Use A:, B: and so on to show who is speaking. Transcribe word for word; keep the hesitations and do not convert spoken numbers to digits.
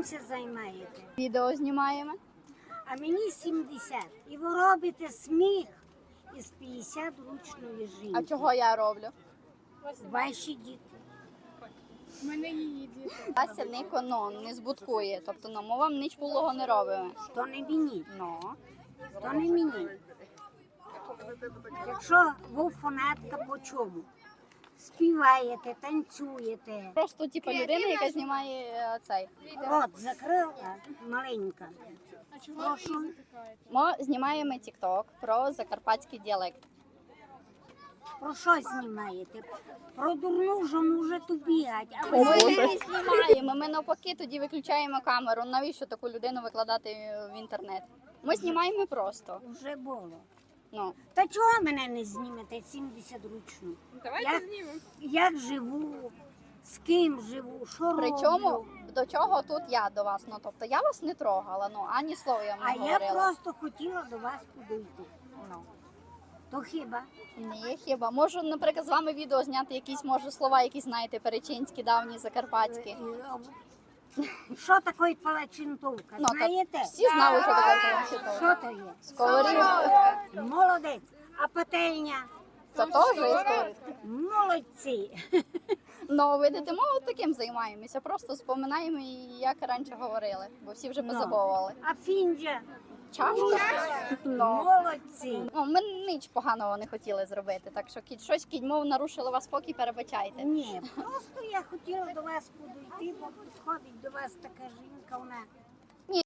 A: це займаєте?
B: Відео знімаємо.
A: А мені сімдесят. І ви робите сміх із п'ятдесят ручної жінки.
B: А чого я роблю?
A: Ваші діти.
C: У мене її діти.
B: Вася Нико, ну, не збуткує. Тобто, ну, ми вам ніч булого не робимо.
A: То не мені,
B: Ну.
A: то не мені. Якщо ви фанатка по чому? Співаєте, танцюєте.
B: Просто, типу, людина, яка знімає е, цей.
A: От, закрила маленька. Прошу.
B: Ми знімаємо TikTok про закарпатський діалект.
A: Про що знімаєте? Про дурну жону вже тут бігать. А ви
B: Ми
A: знаєте,
B: не знімаємо, ми навпаки тоді виключаємо камеру. Навіщо таку людину викладати в інтернет? Ми знімаємо просто.
A: вже було.
B: Ну,
A: Та чого мене не знімете сімдесят ручну?
C: Давайте
A: Як,
C: знімемо.
A: як живу, з ким живу, що
B: причому
A: роблю?
B: до чого тут я до вас? Ну, тобто я вас не трогала, ну ані слова я вам
A: А
B: не
A: я
B: говорила.
A: просто хотіла до вас підійти.
B: Ну.
A: То хіба?
B: Ні, хіба. Можу, наприклад, з вами відео зняти якісь, може, слова, які знаєте, перечинські, давні, закарпатські.
A: І, о, Що таке палачинтовка?
B: Ну, так,
A: Знаєте?
B: всі знали, що таке перечинська.
A: Що то є?
B: Сковорідка.
A: Молодець. А пательня?
B: Це теж є сковорідка.
A: Молодці.
B: Ну, видите, ми от таким займаємося, просто споминаємо, як раніше говорили, бо всі вже позабували.
A: А фінджа?
B: Чашка? Ну.
A: Молодці.
B: Ну, ми ніч поганого не хотіли зробити, так що кіт, щось кідьмов нарушило вас спокій, перебачайте.
A: Ні, просто я хотіла до вас підійти, бо підходить до вас така жінка, вона